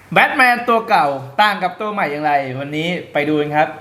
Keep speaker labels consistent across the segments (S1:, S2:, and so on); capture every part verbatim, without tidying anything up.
S1: แบทแมนตัวเก่าต่างกับตัวใหม่อย่างไรวันนี้ไปดูกันครับ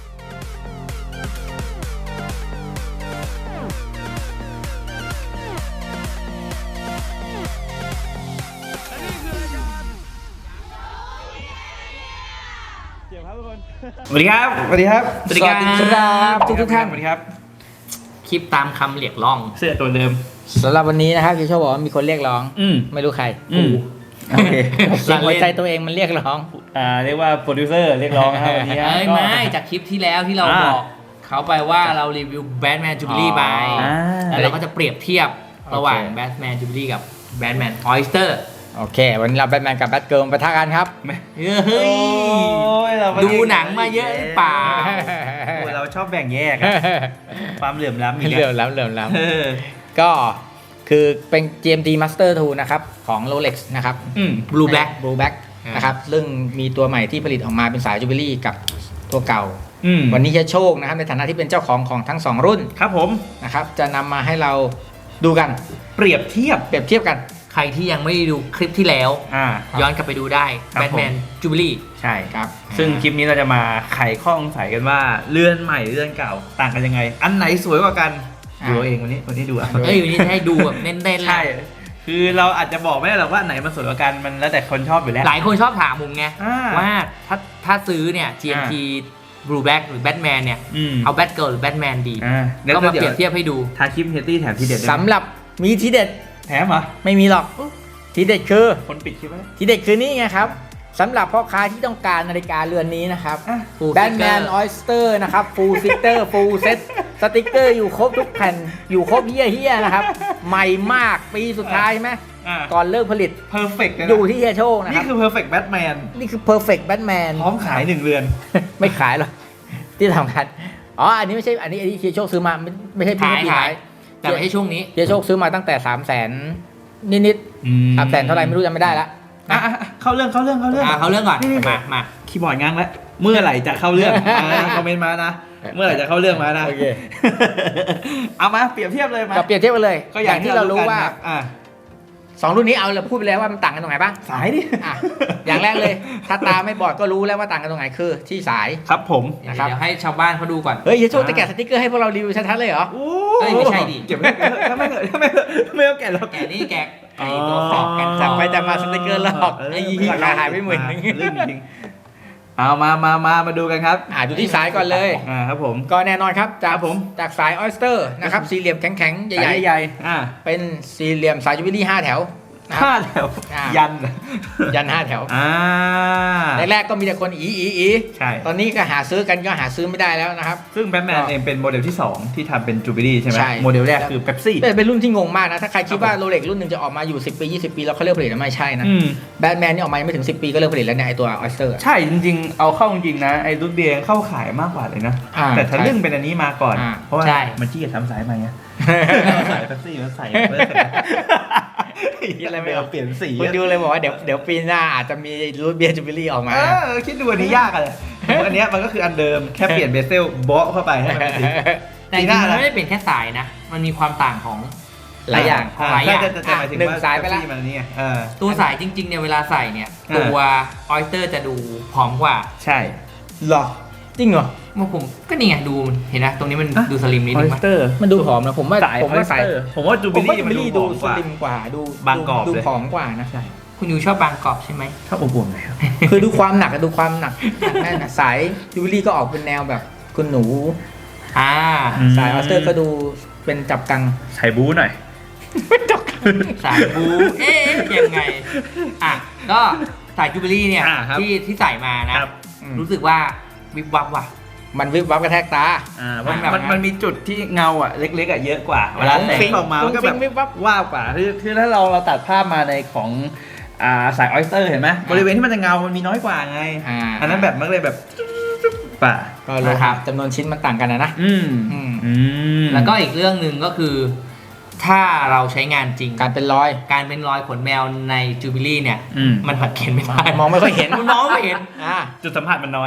S1: สวัสดีครับสวัสดีครับ
S2: สวัสดีครับทุกทุกท่าน
S1: สวัสดีครับ
S2: คลิปตามคำเรียกร้อง
S1: เสื้อตัวเดิม
S3: สำหรับวันนี้นะครับคิวโชว์บอกว่ามีคนเรียกร้อง
S1: อืม
S3: ไม่รู้ใคร
S1: อืมโอเค
S3: เสียงหัวใจตัวเองมันเรียกร้อง
S1: อ่าเรียกว่าโปรดิวเซอร์เรียกร้องนะครับวันนี้
S2: เอ้ย
S1: ก็
S2: ไม่จากคลิปที่แล้วที่เรา
S1: อ่า
S2: บอกเขาไปว่าเรารีวิวแบทแมนจูบิลี่ไป
S1: อ่า
S2: แล้วเราก็จะเปรียบเทียบระหว่าง
S3: โอเค
S2: แบทแมนจูบิลี่กับแบทแมนออยสเตอร์
S3: โอเค วันนี้เราแบทแมนกับแบทเกิร์ลปะทะกันครับ
S2: เฮ้ย
S1: โอ้ยเรามา
S2: ดูหนังมาเยอะหรือเปล่า
S1: โอ้ยเราชอบแบ่งแยกอะความเหลื่อมล้ำอีก
S3: เหลื่อม
S1: อะ
S3: ล้ำเหลื่อมล้
S1: เออ
S3: ำก็คือเป็น จี เอ็ม ที Master ทูนะครับของ Rolex นะครับ
S1: อืม
S2: Blue Black
S3: Blue Black
S2: อ่าน
S3: นะครับซึ่งมีตัวใหม่ที่ผลิตออกมาเป็นสายจูบิลี่กับตัวเก่า
S1: อืม
S3: วันนี้จะโชคนะครับในฐานะที่เป็นเจ้าของของทั้งสองรุ่น
S1: ครับผม
S3: นะครับจะนำมาให้เราดูกัน
S1: เปรียบเทียบ
S3: เปรียบเทียบกัน
S2: ใครที่ยังไม่ได้ดูคลิปที่แล้ว
S1: อ่า
S2: ย้อนกลับไปดูได้
S1: ครับ
S2: แบทแมนจูบิลี่
S1: ใช่
S3: ครับ
S1: ซึ่งคลิปนี้เราจะมาไขข้อสงสัยกันว่าเลื่อนใหม่เลื่อนเก่าต่างกันยังไง อันไหนสวยกว่ากัน
S3: อ่า
S1: ดูเอาเองวันนี้วันนี้ดูอ่ะ
S2: เอ้ยวันนี้จะให้ดูแบบเน้นๆเล
S1: ใช่
S2: ย
S1: คือเราอาจจะบอกไม่ได้หรอกว่าไหนมันสวยกว่ากันมันแล้วแต่คนชอบอยู่แล้ว
S2: หลายคนชอบถามผมไง
S1: อ่า
S2: ว่าถ้าถ้าซื้อเนี่ย จี เอ็ม ที Blue Black หรือ Batman เนี่ย
S1: อืม
S2: เอาแบทเกิร์ลหรือแบทแมนดี
S1: อ่า
S2: ก็มาเปรียบเทียบให้ดู
S1: ทาคลิปเฮตตี้แถมทีเด็ดด้วยนะ
S3: สำหรับมีทีเด็ด
S1: แถมเหรอ
S3: ไม่มีหรอกทีเด็ดคือ
S1: คนปิดคลิปไว้
S3: ทีเด็ดคือนี่ไงครับสำหรับพ่อค้าที่ต้องการนาฬิกาเรือนนี้นะครับ
S1: อ่ะ
S2: Full
S3: แบทแมน
S2: sticker
S3: ออยสเตอร์นะครับฟูลซิกเตอร์ฟูลเซ็ตสติกเกอร์อยู่ครบทุกแผ่น อยู่ครบเฮี้ยเฮี้ยนะครับ ใหม่มากปีสุดท้ายใช่ไหม
S1: อ่า
S3: ก่อนเลิกผลิต
S1: เพอร์เฟกต์เลย
S3: อ
S1: นะ
S3: ยู่ที่เฮียโชคนะค
S1: นี่
S3: รับ
S1: คือ perfect Batman
S3: นี่คือ perfect Batman
S1: พร้อมขายหนึ่งเรือน
S3: ไม่ขายหรอกที่ทำกันอ๋ออันนี้ไม่ใช่อันนี้อันนี้เฮียโชคซื้อมาไม่ไม่ใช่พี่
S2: ขาย
S3: พี่
S2: ขา
S3: ขาย ย
S2: แต่ไม่ใช่ช่วงนี้
S3: เฮียโชคซื้อมาตั้งแต่สามแสนนิดๆสามแสนเท่าไหร่ไม่รู้จำไม่ได้ละ
S1: อ่ะอ่ะอ่ะเข้าเรื่องเข้าเรื่องเข้าเรื่อง
S2: อ่าเขาเรื่องก่อน
S1: นี่
S2: มามา
S1: คีย์บอร์ดง้างแล้วเมื่อไหร่จะเข้าเรื่อง อ่าคอมเมนต์มานะ เมื่อไหร่จะเข้าเรื่องมานะ
S3: โอเค
S1: เอามาเปรียบเทียบเลยมา
S3: กับเปรียบเทียบกันเลย
S1: ก็อย่างที่เรารู้ว่า
S3: ว่า
S1: อ่า
S3: สองรุ่นนี้เอาเราพูดไปแล้วว่ามันต่างกันตรงไหนบ้าง
S1: สายดิ
S3: อ่ะอย่างแรกเลย ถ้าตาไม่บอดก็รู้แล้วว่าต่างกันตรงไหนคือที่สาย
S1: ครับผม
S2: เดี๋ยว
S3: นะครับ
S2: เดี๋ยวให้ชาวบ้านเขาดูก่อน
S3: เฮ้ยเฮียโชคจะแกะสติกเกอร์ให้พวกเรารีวิวชัดๆเลยเหรอ
S1: โอ้
S2: เอ้ยไม่ใช่ดิ
S1: เก็บไว้ถ้าไม่เกิดถ้าไม่เกิดไม่เอาแกะเรา
S2: แกะนี่แกะไอ้ตัวขอบกัน
S3: จับไปจับมาสติกเกอร์หลอก
S1: เออ
S3: ไอ้ราคาหายไปหมื่นนึง
S1: เรื่องจริงเอามามามามาดูกันครับ
S3: อ่าดูที่สายก่อนเลย
S1: อ่าครับผม
S3: ก็แน่นอนครับจาก
S1: ครับผม
S3: จากสายออยสเตอร์นะครับสี่เหลี่ยมแข็งๆ ใหญ่
S1: ใหญ่ๆอ่า
S3: ๆ เป็นสี่เหลี่ยมสายจูบิลี่ห้าแถวนะค
S1: ห้า
S3: รับ
S1: แถว
S3: อ่า
S1: ยัน
S3: ยันห้าแถว
S1: อ่า
S3: แรกๆก็มีแต่คนอีอีอี
S1: ใช่
S3: ตอนนี้ก็หาซื้อกันก็หาซื้อไม่ได้แล้วนะครับ
S1: ซึ่งแบทแมนเองเป็นโมเดลที่สองที่ทำเป็นจูบิลี่ใช่ไหม
S3: ใช่
S1: โมเดลแรกคือเป๊ปซี่
S3: เป็นเป็นรุ่นที่งงมากนะ ถ้าใครคิดว่า
S1: ครับผม
S3: โรเล็กรุ่นหนึ่งจะออกมาอยู่สิบปียี่สิบปีแล้วเขาเลิกผลิตแล้วไม่ใช่นะ
S1: อืม
S3: แบทแมนนี่ออกมายังไม่ถึงสิบปีก็เลิกผลิตแล้วเนี่ยไอตัวออยสเตอร์
S1: ใช่จริงๆ เอาเข้าจริงๆนะ ไอ้รุ่นเบียร์เข้าขายมากกว่าเลยนะ
S3: อ่า
S1: แต่ทะลึ่ง
S3: ใช่
S1: เป็นอันนี้มาก่อน
S3: อ่า
S1: เพราะว่า
S2: ใช่
S1: มันขี้เกียจทำสายใหม่ไงสายเป๊ปซี่มันใส่เพื่ออะไรไม่เอาเปลี่ยนสี
S3: คุณดูเลยบอกว่าเดี๋ยวเดี๋ยวปีหน้าอาจจะมีรูทเบียร์จูบิลี่ออกมา
S1: เออคิดดูอันนี้ยากอะเลยอันเนี้ยมันก็คืออันเดิมแค่เปลี่ยนเบเซลเบาะเข้าไปให้มันเป็นสี
S2: แต่จริงๆมันไม่ได้เป็นแค่สายนะ มันมีความต่างของ
S3: หลายอย่าง
S1: อ่
S2: หลายอย่าง
S1: ใช่แต่แต่หมายถึง
S3: หนึ่ง
S1: ว่า
S3: สายไปละ
S1: เป๊ปซี่มันนี่ไงเออ
S2: ตัวสายจริงๆเนี่ยเวลาใส่เนี่ย
S1: อ่า
S2: ตัวออยสเตอร์จะดูผอมกว่า
S1: ใช่
S3: หรอจริงเหรอ
S2: เมื่อผมก็นี่ไงดูเห็นนะตรงนี้มัน
S1: อ่ะ
S2: ดูสลิมนิด
S1: ออ
S2: นึ
S1: ย
S2: ง
S1: ส
S2: ปะ
S1: เตอร์
S3: มันดูผอมนะผมว่า
S1: สาย
S3: ผมว่าสาย
S1: ออสเตอร์ผมว่าจู
S3: ผ
S1: บิ
S3: มว่า
S1: ลี่
S3: จู
S1: มัน
S3: บิ
S1: ดู
S3: ลี่
S1: ผ
S3: ดู
S1: อม
S3: ส
S1: กว่า
S3: ลิมกว่าดู
S1: บางกรอบ
S3: ดู
S1: เลย
S3: ผอมกว่านะ
S1: ใช่
S2: คุณยูชอบบางกรอบใช่ไหม
S1: ชอบอบอุ่นเลยครับ
S3: คือดูความหนักอะดูความหนักแน่นอะสายจูบิลี่ก็ออกเป็นแนวแบบคุณหนู
S2: อ่า
S1: อืม
S3: สายออสเตอร์ก็ดูเป็นจับกัง
S1: ใส่บู๊หน่อย
S2: สายบูเอ๊ะยังไงอ่ะก็สายจูบิลี่เนี่ย
S1: อ่าครับ
S2: ที่ที่ใส่มานะ
S1: ครับ
S2: รู้สึกว่าวิบวับว่ะ
S3: มันวิบวับกระแทกตา
S1: อ่ามัน
S2: แบบ
S1: มันมันมีจุดที่เงาอ่ะเล็กๆอ่ะเยอะกว่าเวลาแส
S3: ฟุ้
S1: ง
S3: ง
S1: ออกมามันก็
S3: ฟุ้
S1: แบบ
S3: งวิบวับ
S1: ว่าวกว่าคือคือถ้าเราเราตัดภาพมาในของอ่าสายออยสเตอร์เห็นไหมบริเวณที่มันจะเงา มันมีน้อยกว่าไง
S3: อ่า
S1: อันนั้นแบบมันเลยแบบป่า
S3: ก็โลหะจำนวนชิ้นมันต่างกันนะนะ
S1: อืม
S3: อืม
S1: อืม
S2: แล้วก็อีกเรื่องหนึ่งก็คือ ถ้าเราใช้งานจริง
S3: การเป็นรอย
S2: การเป็นรอยขนแมวในจูบิลี่เนี่ย
S1: อืม
S2: มันสังเกตไม่ได้
S3: มองไม่ค่อยเห็น
S2: มันมองไม่เห็น
S3: อ่า
S1: จุดสัมผัสมันน้อย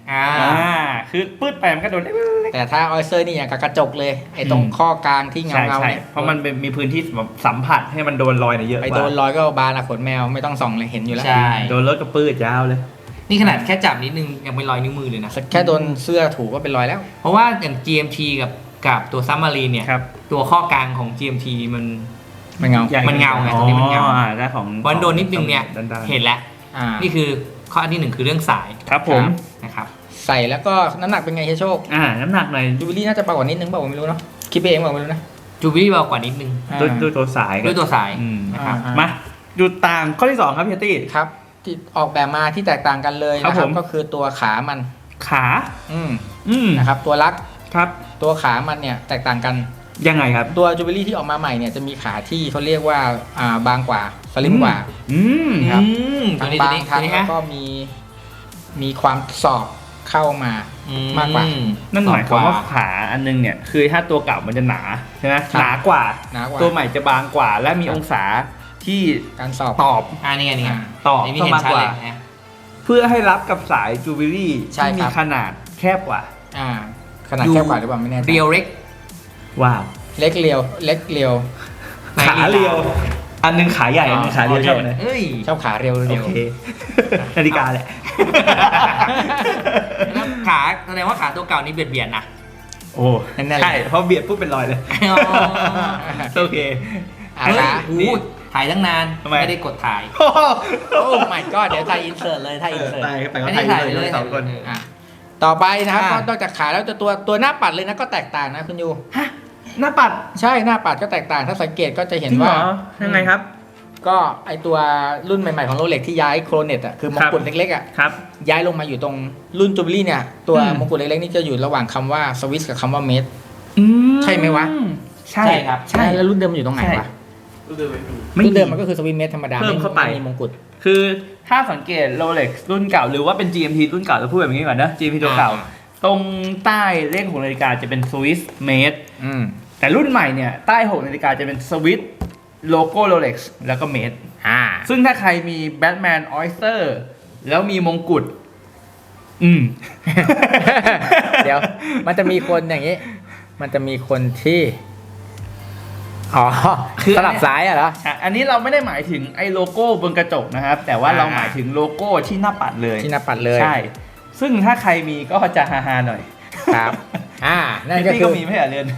S2: อ่า
S1: อ่าคือปื้ดไปมันก็โดน
S3: แต่ถ้าออยเซอร์นี่อย่างกับกระจกเลยไอ้ตรงข้อกลางที่เงา
S1: ใช่
S3: เงา
S1: ใช่
S3: เนี่ย
S1: เพราะมันเป็นมีพื้นที่สัมผัสให้มันโดนรอยเนี่ยเยอะก
S3: ไป
S1: ว่า
S3: โดนรอยก็บานอะขนแมวไม่ต้องส่องเลยเห็นอยู่แล้ว
S2: ใช่
S1: โดนรถก็ปื้ดยาวเลย
S2: นี่ขนาดแค่จับนิดนึงยังเป็นรอยนิ้วมือเลยนะ
S3: แค่โดนเสื้อถูก็เป็นรอยแล้ว
S2: เพราะว่าอย่าง จี เอ็ม ที กับกับตัวซัมมารีนเนี่ย
S1: ครับ
S2: ตัวข้อกลางของ จี เอ็ม ที มัน
S3: มันเงา
S1: ใหญ่
S2: มันเงาไงตรงนี้มันเงา
S1: อ๋ออ่ได้ของ
S2: วันโดนนิดนึงเนี่ย
S1: ด้านๆ
S2: เห็นแล้ว
S3: อ่า
S2: นี่คือข้อที่หนึ่งคือเรื่องสาย
S1: ครับผม
S2: นะครับ
S3: ใส่แล้วก็น้ำหนักเป็นไงเฮียโชค
S1: อ่าน้ำหนักหน่อย
S3: จูบิลี่น่าจะเบากว่านิดนึงเปล่าผมไม่รู้เนาะคิดไปเองเปล่าไม่รู้นะ
S2: จูบิลี่เบากว่านิดนึง
S1: ด้วยด้วยตัวสาย
S2: ด้วยตัวสาย
S1: อืม
S2: นะครับ
S3: อ่า
S1: มาดูต่างข้อที่สองครับพี่ตี้
S3: ครับที่ออกแบบมาที่แตกต่างกันเลย
S1: ครับ
S3: นะครับ
S1: ผม
S3: ก็คือตัวขามัน
S1: ขา
S3: อืม
S1: อืม
S3: นะครับตัวลัก
S1: ครับ
S3: ตัวขามันเนี่ยแตกต่างกัน
S1: ยังไงครับ
S3: ตัวจูบิลี่ที่ออกมาใหม่เนี่ยจะมีขาที่เขาเรียกว่าอ่าบางกว่าสลิมกว่า
S1: อืม
S3: ครับ
S2: อืมตั
S3: ทั้
S2: ว
S3: ง
S2: นี้
S3: บา
S2: ตัว
S3: ง
S2: นี้
S3: ทั้
S2: ตัว
S3: ง
S2: นี้
S3: แล้ว
S2: ฮะ
S3: ก็มีมีความสอบเข้ามา
S2: อื
S3: มากกว่า
S1: นั่นหมายความว่าขาอันนึงเนี่ยคือถ้าตัวเก่ามันจะหนาใช่ไหม
S3: ครับ
S1: หนากว่า
S3: หนากว่า
S1: ตัวใหม่จะบางกว่า และมีองศาที่
S3: การสอบ
S1: ตอบ
S2: อ่านี่ไงนี่ไง
S1: ตอบ
S2: นี่มี
S1: เข้า
S2: เห็น
S1: มา
S2: ชัด
S1: ก
S2: เล
S1: ว่า
S2: ยนะ
S1: เพื่อให้รับกับสายจูบิลี่
S3: ใช่
S1: ที่มี
S3: ครับ
S1: ขนาดแคบกว่า
S3: อ่าขนาดแคบกว่าหรือเปล่าไม่แน่ใจ
S2: เรียวเล็ก
S1: ว้าว
S3: เล็กเรียวเล็กเรียว
S1: ขาเรียว อันหนึงขาใหญ่ อันหนึงขาเรียว
S3: โอเค
S1: ชอบเลย
S2: เอ้ย
S3: ชอบขาเรียว
S1: โอ
S3: เรียว
S1: เค นาฬิกาแหละ
S2: แล้วขาแสดงว่าขาตัวเก่านี่เบียดเบียดนะ
S1: โอ้
S3: นั่นแหละ
S1: ใช่เพราะเบียดปุ๊บเป็นรอยเลย
S2: อ๋อ
S1: โอเค
S3: อ่า
S2: เฮ้ย
S3: ขา
S2: โอ้โหถ่ายตั้งนาน
S1: ทำไม
S2: ไม่ได้กดถ่าย
S3: โอ้ my god เดี๋ยวถ่ายอินเสิร์ตเลยถ่ายอินเสิร์ต
S1: ตายไปก็
S2: ไม่ได้
S1: ถ่าย
S2: ถ่าย
S1: เลย
S2: เลย
S1: สองคน
S3: อ่ะต่อไปนะครับ
S2: อ่ะ
S3: ก็นอกจากขาแล้วจะตัวตัวหน้าปัดเลยนะก็แตกต่างนะคุณยู
S1: ฮะหน้าปัด
S3: ใช่หน้าปัดก็แตกต่างถ้าสังเกตก็จะเห็น
S1: จริงเหร
S3: ว่า
S1: อยังไงครับ
S3: ก็ไอตัวรุ่นใหม่ๆของโรเล็กที่ย้ายโครเน็ตอ่ะคือมงกุฎเล็กๆอ่ะ
S1: ครับ
S3: ย้ายลงมาอยู่ตรงรุ่นจูบิลี่เนี่ยตัว
S1: อืม
S3: มงกุฎเล็กๆนี่จะอยู่ระหว่างคำว่าสวิสกับคำว่าเมด
S1: อื
S3: ใช่ไหมวะ
S1: ใช่
S2: ใช่ครับ
S3: ใช่แล้วรุ่นเดิมมันอยู่ตรงไหน
S1: ใช่
S3: วะ
S1: ไม่
S3: รุ่นเดิม
S1: มี
S3: มันก็คือสวิสเมดธรรมดา
S1: เพิ่มเข้าไป
S3: มีมงกุฎ
S1: คือถ้าสังเกตโรเล็กรุ่นเก่าหรือว่าเป็น จี เอ็ม ที รุ่นเก่าจะพูดแบบนี้ก่อนนะ จี เอ็ม ที ตัวเก่า
S2: อ่า
S1: ตรงใต้เลขของนาฬิกาจะเป็นสวิสเมด
S3: อืม
S1: แต่รุ่นใหม่เนี่ย ใต้หกนาฬิกาจะเป็นสวิสโลโก้โรเล็กแล้วก็เมด
S3: อ่า
S1: ซึ่งถ้าใครมีแบทแมนออยสเตอร์แล้วมีมงกุฎอืม
S3: เดี๋ยวมันจะมีคนอย่างนี้ มันจะมีคนที่อ๋อ
S1: คือ
S3: สลับซ้ายอะเหรอ
S1: อ่ะอันนี้เราไม่ได้หมายถึงไอ้โลโก้บนกระจกนะครับ แต่ว่า
S3: อ่า
S1: เราหมายถึงโลโก้ที่หน้าปัดเลย
S3: ที่หน้าปัดเลย
S1: ใช่ ซึ่งถ้าใครมีก็จะฮาๆหน่อย
S3: ครับ อ่า นั่น
S1: พี่
S3: ก็
S1: ตี้
S3: คื
S1: ก็
S3: อ
S1: มีไม่ใช่เหรอเรือน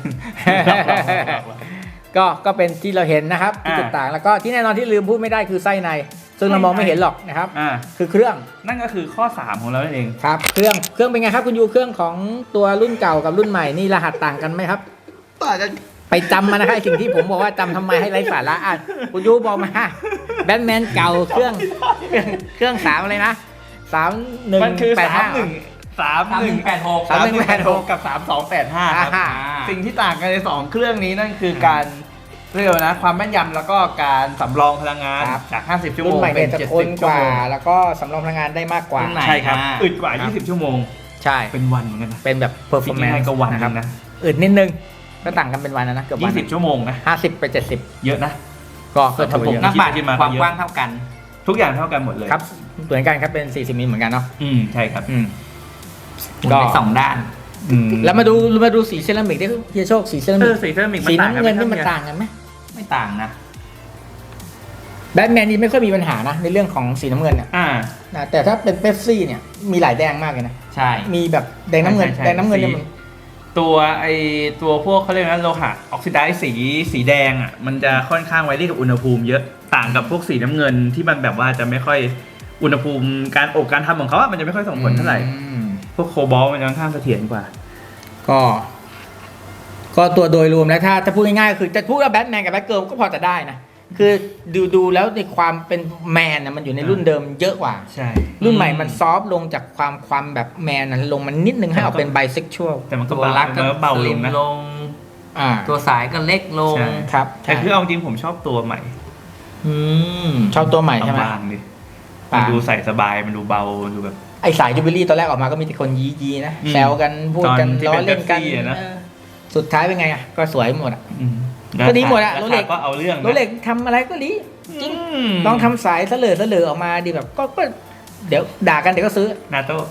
S3: ก็ก็เป็นที่เราเห็นนะครับที่
S1: อ่า
S3: จุดต่างแล้วก็ที่แน่นอนที่ลืมพูดไม่ได้คือไส้ใน ซึ่งเรามองไม่เห็นหรอกนะครับ
S1: อ่า
S3: คือเครื่อง
S1: นั่นก็คือข้อสามของเรานั่นเอง
S3: ครับ เครื่องเครื่องเป็นไงครับคุณยูเครื่องของตัวรุ่นเก่ากับรุ่นใหม่นี่รหัสต่างกันไหมครับ
S1: ต่างกัน
S3: ไปจำมานะครับไอ้สิ่งที่ผมบอกว่าจำทำไมให้ไร้สาระอ่ะคุณยูบอกมาแบทแมนเก่าเครื่องเครื่องเครื่องสามอะไรนะสามหนึ่ง
S1: มันคือ
S3: แปด
S1: สา
S3: ห้าม
S1: หนึ่งสาม
S2: สาม
S1: ห
S2: ห
S1: นึ่
S2: นึ่
S1: ง
S2: งแปดหก
S1: สามหนึ่งแปดหกกับสามสองแปดห้าครับ
S3: อ่า
S1: สิ่งที่ต่างกันในสองเครื่องนี้นั่นคือการเรียกว่านะความแม่นยำแล้วก็การสำรองพลังงาน
S3: ครับ
S1: จาก ห้าสิบ ชั่วโม
S3: รุ่น
S1: ง
S3: ใหม่
S1: เป็
S3: เนี่ย
S1: น
S3: จะ
S1: เจ็ด
S3: ท
S1: สิ
S3: น
S1: บ
S3: ก
S1: ชั่ว
S3: ว่า
S1: โมง
S3: แล้วก็สำรองพลังงานได้มากกว่า
S2: รุ่นไหน
S1: ใช่ครับ
S2: อ่า
S1: อึดกว่า
S3: ครับ
S1: ยี่สิบ ชั่วโมง
S3: ใช่
S1: เป็นวันเหมือนกันนะ
S3: เป็นแบบ
S1: คิด
S3: performance
S1: ง่ายๆก็วัน
S3: นะ
S1: นะ
S3: ค
S1: ค
S3: รั
S1: รั
S3: บบ
S1: นะ
S3: อึดนิดนึงก็ต่างกันเป็นวันนะนะเกือบวัน
S1: ยี่สิบ ชั่วโมงนะ
S3: ห้าสิบไปเจ็ดสิบ
S1: เยอะนะ
S3: ก็ก็ถือว่าเย
S1: ผม
S3: อะ
S2: นักบาด
S1: คิดมาก็
S2: ความ
S1: เยอะ
S2: กว้างเท่ากัน
S1: ทุกอย่างเท่ากันหมดเลย
S3: ครับเหมือนกันครับเป็นสี่สิบมิลเหมือนกันเนาะ
S1: อืมใช่ครับ
S3: อืม
S2: หมุน
S3: ก็
S2: ไปสองด้าน
S1: อืม
S3: แล้วมาดูมาดูสีเซรามิกได้เฮียโชคสีเซรา
S1: เอ
S3: มิ
S1: อก สีเซรามิก
S3: สี
S1: มันต่างกัน
S3: น้ำ
S1: ไหม
S3: เงิน
S1: ครับ
S3: นี่มัน
S1: เนี่ย
S3: ต่างกันไหม
S2: ไม่ต่างนะ
S3: แบทแมนนี่ไม่ค่อยมีปัญหานะในเรื่องของสีน้ำเงินเนี่ย
S1: อ่า
S3: นะแต่ถ้าเป็นเป๊ปซี่เนี่ยมีหลายแดงมากเลยนะ
S2: ใช่
S3: มีแบบแดงน้ำเงิน
S1: ใช่ใช่
S3: แดงน้ำเงินเนี่ย
S1: สี
S3: มัน
S1: ตัวไอตัวพวกเขาเรียกนะโลหะออกซิไดซ์สีสีแดงอ่ะมันจะค่อนข้างไวรี่กับอุณหภูมิเยอะต่างกับพวกสีน้ำเงินที่มันแบบว่าจะไม่ค่อยอุณหภูมิการอบการทำของเขาอะมันจะไม่ค่อยส่งผลเท่าไหร่
S3: อืม
S1: พวกโคบอลต์มันจะค่อนข้างเสถียรกว่า
S3: ก็ ก็ตัวโดยรวมแล้วถ้าจะพูดง่ายๆคือจะพูดว่าแบทแมนกับแบทเกิร์ลก็พอจะได้นะคือดูดูแล้วในความเป็นแมนนะมันอยู่ในรุ่นเดิมเยอะกว่า
S1: ใช่
S3: รุ่นใหม่มันซอฟต์ลงจากความความแบบแมนนั้นลงมันนิดนึงให้ออกเป็นไบเซ็กชวล
S1: แต่มันก็
S2: ตัว
S1: เบา
S2: รักก็
S1: มันก็เบา
S2: ส
S1: ล
S2: ลิ
S1: ง
S2: ม
S1: นะ
S2: ลง
S3: อ่า
S2: ตัวสายก็เล็กลง
S1: ใช่
S3: ครับ
S1: แต่คือเอาจริงผมชอบตัวใหม่
S2: อืม
S3: ชอบตัวใหม่ใช่ไหม
S1: บางๆดิ
S3: บาง
S1: มันดูใส่สบายมันดูเบามันดูแบบ
S3: ไอสายจูบิลี่ตอนแรกออกมาก็มีแต่คนยี้ยีนะ
S1: อืม
S3: แซวกันพูดกัน
S1: ตอนที่
S3: ล้อ
S1: เป็น
S3: เล่นกัน
S1: Pepsi อะนะ
S3: เออสุดท้ายเป็นไงอ่ะก็สวยหมดอ่ะ
S1: อืม
S3: ก็ดีหมดอะ
S1: รา
S3: โร
S1: คา
S3: เล็ก
S1: ก็เอาเรื่องนะ
S3: โรเล็กทำอะไรก็ดี จริง
S1: ม
S3: ลองทำสายเสลอเสลอออกมาดีแบบก็ก็เดี๋ยวด่ากันเดี๋ยวก็ซื้อ
S1: นาโต้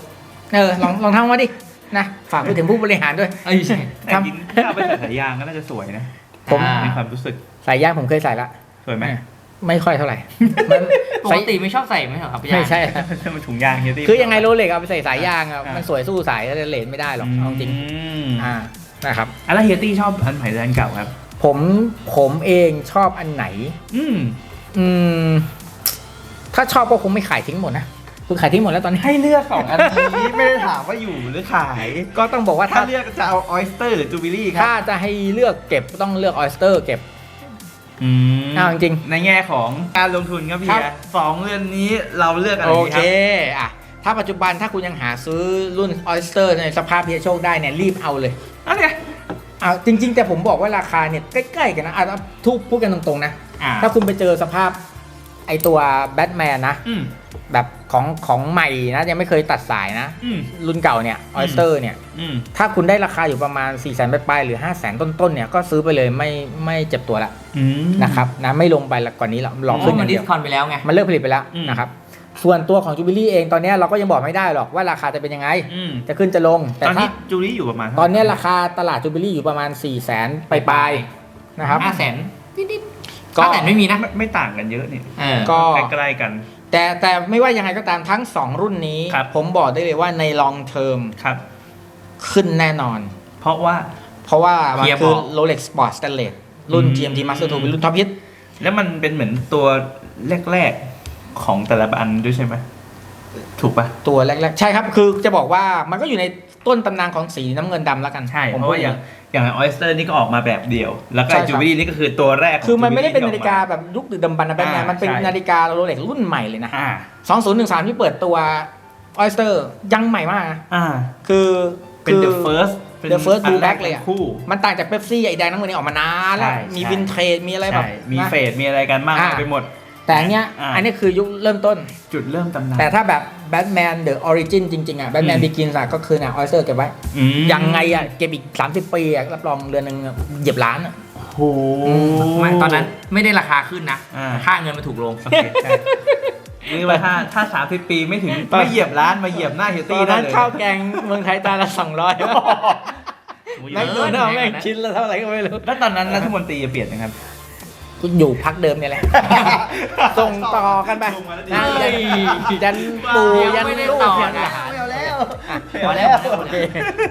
S3: เออลองลองทำมาดินะฝากไปถึงผู้บริหารด้วย
S2: เอ้ยใช่
S1: แต่จริงถ้าเอาไปใส่สายยางก็น่าจะสวยนะ
S3: ผม
S2: อ่า
S1: ในความรู้สึก
S3: สายย่างผมเคยใส่ละ
S1: สวยไหม
S3: ไม่ค่อยเท่าไหร่มัน
S2: ปกติไม่ชอบใส่ไหมเหรอครับพี่
S3: ไม่
S2: ยา
S3: ใช่
S1: มันถุงยางเฮียตี้
S3: คือยังไงโรเล็กเอาไปใส่สายยางอ่ะ
S1: อ่ามั
S3: มันสวยสู้สายเลนไม่ได้หรอกเอาจริง
S1: ม
S3: อ่านะครับ
S1: อะแล้วเฮียตี้ชอบอันใหม่หรืออันเก่าครับ
S3: ผมผมเองชอบอันไหน
S1: อืม
S3: อืม ถ้าชอบก็คงไม่ขายทิ้งหมดนะคุณขายทิ้งหมดแล้วตอนนี้
S1: ให้เลือกสองอันนี้ไม่ได้ถามว่าอยู่หรือขาย
S3: ก็ต้องบอกว่า
S1: ถ้า
S3: ถ้า
S1: เลือกจะเอาออยสเตอร์หรือจูบิลี่ครั
S3: ถ้าจะให้เลือกเก็บก็ต้องเลือกออยสเตอร์เก็บ
S1: อืม
S3: อ้าวจริง
S1: ในแง่ของการลงทุนครับพี่
S3: ครับ
S1: อะสองเรือนนี้เราเลือกอะไร
S3: โอ
S1: ดีค
S3: เครับ อ่ะถ้าปัจจุบันถ้าคุณยังหาซื้อรุ่นออยสเตอร์ในสภาพที่จะโชคได้เนี่ยรีบเอาเลย
S1: อันเนี้ย
S3: เอาจริง ๆ แต่ผมบอกว่าราคาเนี่ยใกล้ๆกันนะอ่ะทุกพูดกันตรงๆนะ
S1: อ่า
S3: ถ้าคุณไปเจอสภาพไอตัวแบทแมนนะ
S1: อืม
S3: แบบของของใหม่นะยังไม่เคยตัดสายนะ
S1: อืม
S3: รุ่นเก่าเนี่ยออยสเตอร์เนี่ย
S1: อืม
S3: ถ้าคุณได้ราคาอยู่ประมาณ สี่แสน ปลายๆหรือ ห้าแสน ต้นๆเนี่ยก็ซื้อไปเลยไม่ไม่เจ็บตัวละ
S1: อืม
S3: นะครับนะไม่ลงไปละกว่านี้หรอกหลอก
S2: เพ
S3: ขึ้น
S2: ราะ
S3: อ
S2: มัน
S3: ย่าง
S2: ดิ
S3: เดี
S2: ส
S3: ยว
S2: คอนไปแล้วไง
S3: มันเลิกผลิตไปแล้ว
S1: อืม
S3: นะครับส่วนตัวของจูบิลี่เองตอนเนี้ยเราก็ยังบอกไม่ได้หรอกว่าราคาจะเป็นยังไง
S1: อืม
S3: จะขึ้นจะลง แต่
S1: ตอน
S3: ถ้า
S1: นี้จูลี่อยู่ประมาณเท่าไห
S3: ต
S1: ร่
S3: อนเนี้ยราคาตลาดจูบิลี่อยู่ประมาณ สี่แสน ปลายๆนะครับ
S2: ห้าแสนนิดๆ
S3: ก็
S2: ห้าแสนไม่มีนะ
S1: ไม่ไม่ต่างกันเยอะนี่
S2: เออ
S3: ก็
S1: ใกล้ๆกัน
S3: แต่แต่ไม่ว่ายังไงก็ตามทั้ง สอง รุ่นนี้
S1: ครับ
S3: ผมบอกได้เลยว่าใน long term
S1: ครับ
S3: ขึ้นแน่นอน
S1: เพราะว่า
S3: เพราะว่ามัน
S2: เฮีย
S3: คือ
S2: บอก
S3: Rolex Sport Stainless รุ่น
S1: อืม
S3: จี เอ็ม ที Master ทูเป็นรุ่นท็อปฮิต
S1: แล้วมันเป็นเหมือนตัวแรกๆของแต่ละอันด้วยใช่ไหมถูกปะ
S3: ตัวแรกๆ ใช่ครับ คือจะบอกว่ามันก็อยู่ในต้นตำนานของสีน้ำเงินดำแล้วกัน
S1: ใช่
S3: ผม
S1: เพราะว่าอย่างอย่างออยสเตอร์นี่ก็ออกมาแบบเดียว แล้วก็
S3: ใช่ครับ
S1: จูบิลี่นี่ก็คือตัวแรกขง
S3: คือมันไม่ได้เป็น
S1: Jubilee
S3: นาฬิกาแบบยุคดึกดำบรรพ์นะแบทแมน
S1: อ่า
S3: มันเป็น
S1: ใช่
S3: นาฬิกาโรเล็กรุ่นใหม่เลยนะ
S1: อ่า
S3: สองพันสิบสามที่เปิดตัวออยสเตอร์ยังใหม่มากนะ
S1: อ่า
S3: คือ
S1: เป็น
S3: คือ
S1: the first เป็น
S3: The first
S1: อัน
S3: blue
S1: แร
S3: back เลยอะ
S1: คู่
S3: มันต่างจากเป๊ปซี่ไอ้แดงน้ำเงินนี่ออกมานานแล้ว
S1: ใช่
S3: มี
S1: ใช่
S3: วินเทรดมีอะไรแบบ
S1: ใช่มี
S3: นะ
S1: เฟดมีอะไรกันมาก
S3: อ่า
S1: ไปหมด
S3: แต่อันเนี้ย
S1: อ่า
S3: อันนี้คือยุคเริ่มต้น
S1: จุดเริ่มตำนาน
S3: แต่ถ้าแบบแบทแมนเดอะออริจินจริงๆอ่ะแบทแมน
S1: อืม
S3: บิกินส์ก็คือเนี่ยออยสเตอร์เก็บไว้
S1: อืม
S3: ยังไงอ่ะเก็บอีกสามสิบปีอ่ะรับรองเรือนหนึงเหยียบล้านอ่ะ
S1: โอ้โห
S2: ไม่ตอนนั้นไม่ได้ราคาขึ้นนะ
S1: อ่า
S2: ค่าเงินมันถูกลง
S1: โอเคใช่นี่ว่าถ้าถ้าสามสิบปีไม่ถึงไม่เหยียบร้านมาเหยียบหน้าเฮีย
S3: ต
S1: ตี้
S3: อน
S1: ได้
S3: นั้น
S1: เลย
S3: ข้าวแกงเมืองไทยตาละสองร้อย
S1: โอ้ย
S3: แม่ง
S2: เอ
S3: เงิ
S2: อน
S3: เอา
S2: แม่
S3: แม่
S2: ง
S3: ง
S2: นะ
S3: ชิ้นละเท่าไหร่ก็ไม่รู้
S1: แล้วตอนนั้นรัฐมนตรีจะเปลี่ยนนะครับ
S3: กูอยู่พักเดิมเนี่ยแหละ ส่งต่อกันไป
S1: ลงมาแล้วดิ
S3: นั่นเลยยันปู่ยัน
S2: ไม่ได้
S3: ลูก
S2: ต่อ
S3: ยัน
S2: นะ
S3: หลาน
S1: ไม่เอาแล้ว
S3: อ่ะ
S1: พอแล้ว
S3: โอเค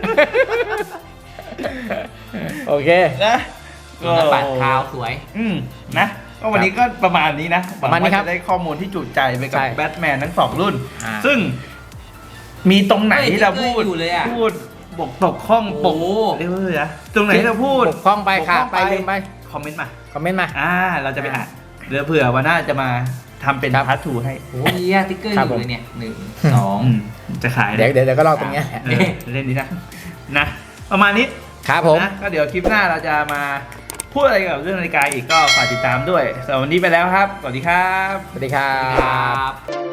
S3: โอเค
S1: นะ
S2: หน้าปัดขาวสวย
S1: อืมนะก็วันนี้ก็ประมาณนี้นะหวัง
S3: ประมาณนี้
S1: ว่า
S3: ครับ
S1: จะได้ข้อมูลที่จุใจไปกับ
S3: ใช่
S1: แบทแมนทั้งสองรุ่น
S3: อ่า
S1: ซึ่งมีตรงไหน
S2: เฮ้ย
S1: ที่เราพูด
S2: อยู่เลยอะ
S1: พูดบกตกข้องปก
S2: โอ้
S1: เรียกว่าอะไรนะตรงไหนที่เราพูด
S3: บกพร่องไป
S1: บก
S3: ขาด
S1: พร่อง
S3: ไปลืมไป
S1: คอมเมนต์มา
S3: คอมเมนต์มา
S1: อ่า เราจะไปอ่านเดี๋ยวเผื่อวันหน้าจะมาทำเป็น
S3: ครับ
S1: พาร์ททูให้
S2: โอ้ยเหี้ยติ๊กเกอร์
S3: ครั
S2: อบ
S3: ผม
S2: ยู่เลยเนี่ยหนึ่งสอง
S1: อืมจะขาย
S3: เดี๋ยวเดี๋ยวเดี๋ยวก็รอตรงเนี้ยแหละ
S1: เออเล่นนี้นะนะ ประมาณนี้
S3: ครับผม
S1: นะก็เดี๋ยวคลิปหน้าเราจะมาพูดอะไรเกี่ยวกับเรื่องนาฬิกาอีกก็ฝากติดตามด้วยสำหรับวันนี้ไปแล้วครับ สวัสดีครับ
S3: สวัสดีครั
S2: ครับ บ